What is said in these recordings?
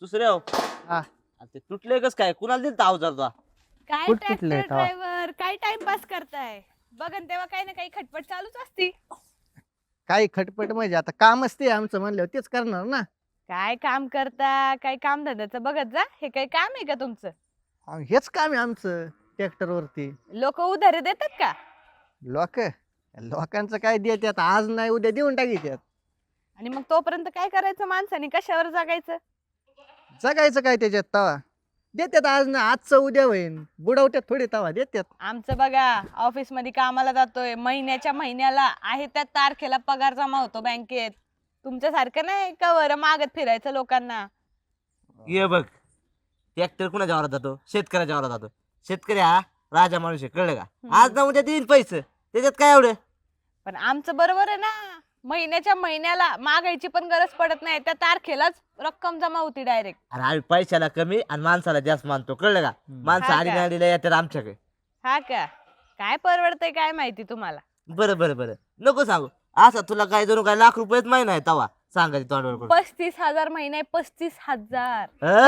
दुसरे हो हा. ते तुटले कस काय कुणाला दिल अवजार तो काय कुठं ट्रॅक्टर कुठलंय तेव्हा? ड्रायव्हर काय टाइमपास करताय बघन तेव्हा काही ना काही खटपट चालूच असती. काही खटपट म्हणजे आता कामच ते आमचं म्हणल्यावर तेच करणार ना. काय काम करता काय काम धंद्याचं बघत जा. हे काही काम आहे का तुमचं? हेच काम आहे आमचं ट्रॅक्टर वरती. लोक उधारे देतात का? लोकांचं काय देतात आज नाही उद्या देऊन टाकीतात. आणि मग तोपर्यंत काय करायचं माणसाने कशावर जगायचं? जगायचं काय त्याच्यात तवा देतात आज ना आजचं उद्या होईन बुडवत्यात थोडी तवा देतात. आमचं बघा ऑफिस मध्ये कामाला जातोय महिन्याच्या महिन्याला आहे त्या तारखेला पगार जमा होतो बँकेत. तुमच्यासारखं नाही कवर मागत फिरायचं लोकांना. ये बघ ट्रॅक्टर कुणाच्या वावरात जातो शेतकऱ्याच्या वावरात जातो. शेतकरी हा राजा माणूस आहे कळलं का आज ना उद्या देईन पैसे त्याच्यात काय एवढं. पण आमचं बरोबर आहे ना महिन्याच्या महिन्याला मागायची पण गरज पडत नाही त्या तारखेलाच रक्कम जमा होती डायरेक्ट. अरे आम्ही पैशाला कमी आणि माणसाला जास्त मानतो कळलं का माणसं हा आडी का? नाडीला येतात आमच्याकडे. हा का? काय परवडतंय काय माहिती तुम्हाला. बरं बरं बरं नको सांगू असं तुला काय जणू काय लाख रुपयेच महिना आहे तवा सांगायची तोंडवर करून. 35,000 महिने 35,000.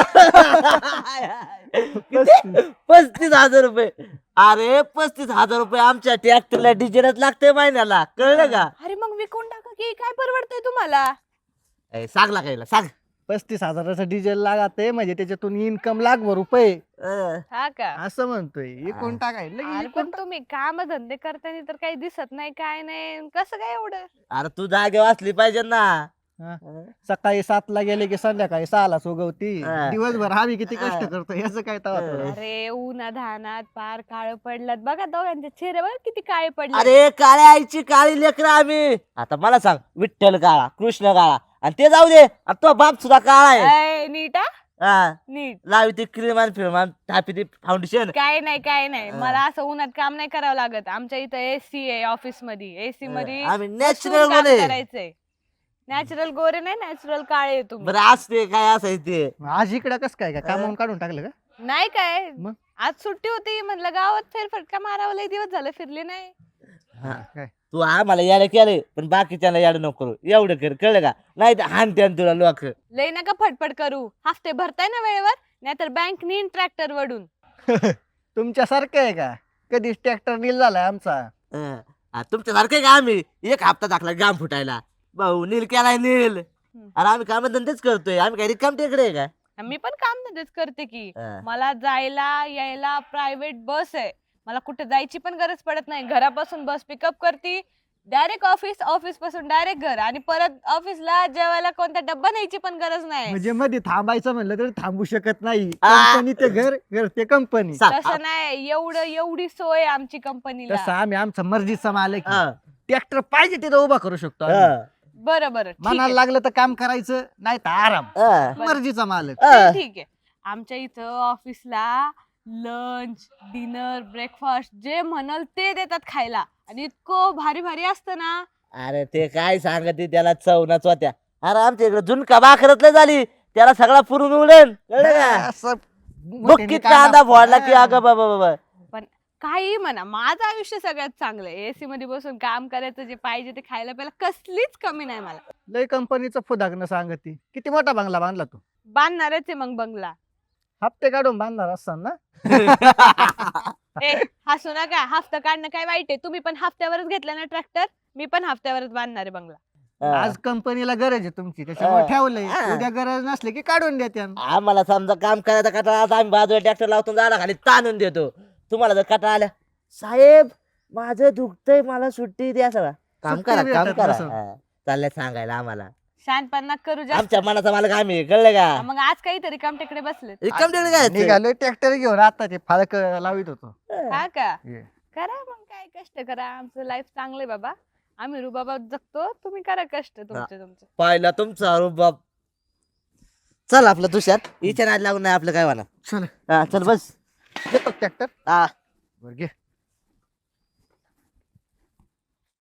35,000 रुपये. अरे 35,000 रुपये आमच्या ट्रॅक्टरला डिझेलच लागते महिन्याला कळलं का. अरे मग विकून टाका की काय परवडतंय तुम्हाला. सांगला कायला सांग. 35,000चं डिझेल लागत आहे म्हणजे त्याच्यातून इन्कम लाखभर रुपये हा का? असं म्हणतोय एकूण टाकाय अरे पण तुम्ही काम धंदे करताना तर काही दिसत नाही काय नाही कसं काय एवढं. अरे तू जागेवर असली पाहिजे ना. सकाळी 7ला गेले की संध्याकाळी 6लाच उगवती हा. दिवसभर आम्ही किती कष्ट करतो याचं काय तवा थोडं. अरे उन्हाधानात पार काळ पडलात बघा दोघांचे चेहरे बघा किती काळे पडले. अरे काळ्या आईची काळी लेकर आम्ही. आता मला सांग विठ्ठल काळा कृष्ण काळा आणि ते जाऊ दे आता तो बाप सुद्धा काळा आहे. नीट हा? हा. नीट. लावी ती क्रीमान फिरमान टापी ती फाउंडेशन. काय नाही मला असं उन्हात काम नाही करावं लागत. आमच्या इथं एसी आहे ऑफिस मध्ये. एसी मध्ये आम्ही बसून नॅचरल काम गोरे. करायचंय. नॅचरल गोरे नाही नॅचरल काळे तुम्ही. बरं असते काय असायचं ते. आज इकडं कस काय कामावून काढून टाकलं का? नाही काय मग? आज सुट्टी होती म्हणलं गावात फेरफटका मारावं लय दिवस झाले फिरले नाही. काय तू आम्हाला यायला केलंय पण बाकीच्याला याड नको करू एवढं कर कळलं का नाही तर हानते तुला लोक. लय नका फटफट करू. हफ्ते भरताय ना वेळेवर नाहीतर बँक नेईन ट्रॅक्टर वडून. तुमच्यासारखं आहे का कधीच ट्रॅक्टर नील झालाय आमचा. तुमच्यासारखे का आम्ही एक हप्ता टाकला जाम फुटायला भाऊ नील केलाय नील. अरे आम्ही काम धंदेच करतोय आम्ही काही रिकाम टेकडे आहे का. मी पण काम धंदेच करते की. हा. मला जायला यायला प्रायव्हेट बस आहे. मला कुठे जायची पण गरज पडत नाही. घरापासून बस पिकअप करते डायरेक्ट ऑफिस ऑफिस पासून डायरेक्ट घर आणि परत ऑफिसला जेवायला कोणता डब्बा न्यायची पण गरज नाही. म्हणजे मध्ये थांबायचं म्हणलं तर थांबू शकत नाही. आ. कंपनी ते घर घर ते कंपनी. तसं नाही एवढी सोय आहे आमची तसं कंपनीला. आम्ही आमचा मर्जीचा मालक हा. ट्रॅक्टर पाहिजे तिथं उभा करू शकतो आम्ही. हा. बरं ठीक मनाला आहे. लागलं तर काम करायचं नाही तर आराम. हा. मर्जीचा मालक. ते ठीक आहे. आमच्या इथं ऑफिसला लंच डिनर ब्रेकफास्ट जे म्हणाल ते देतात खायला आणि इतकं भारी भारी असतं ना. अरे ते काय सांगते त्याला चवनाच होत्या. अरे आमच्या इकडे झुणका भाकरतलं झाली त्याला सगळा पुरून उडेल कळलं का. असं बुक्कीत कांदा फोडला की अगं बाबा बाबा. पण काही म्हणा माझं आयुष्य सगळ्यात चांगलं आहे. एसी मध्ये बसून काम करायचं जे पाहिजे ते खायला प्यायला कसलीच कमी नाही मला. लय कंपनीचं फुदागणं सांगते. किती मोठा बंगला बांधला तू. बांधणारच आहे मग बंगला. हप्ते काढून बांधणार असताना ना. ए हसू नका. हफ्ता काढणं काय वाईट आहे. तुम्ही पण हफ्त्यावरच घेतला ना ट्रॅक्टर. मी पण हफ्त्यावरच बांधणार आहे बंगला. आज कंपनीला गरज आहे तुमची त्याच्यामुळे ठेवलंय. हा. उद्या गरज नसली की काढून देत्या. आम्हाला समजा काम करायचा कटाळा आता आम्ही बाजूला ट्रॅक्टर लावतो झाडा खाली ताणून देतो. तुम्हाला जर कटाळा आल्या साहेब माझं दुखतंय मला सुट्टी द्या सगळं काम सुट्टी करा काम भेटत करा. नसेल. चाललंय सांगायला आम्हाला शानपणा करू जास्त. आमच्या मनाचा मालक आम्ही कळलं का. मग आज काहीतरी काम तिकडे बसले. रिकाम टेकडे काय निघालोय ट्रॅक्टर घेऊन आता ते फाळक लावित होतो. हा का? ये. करा मग काय कष्ट करा. आमचं लाईफ चांगलंय बाबा. आम्ही रुबाबात जगतो. तुम्ही करा कष्ट तुमचे. पाहिला तुमचा रुबाब. चल आपलं तुषार हिच्या नाद लागून नाही आपलं काय म्हणा. चल चल बस. घेतो ट्रॅक्टर. हा बरं घे.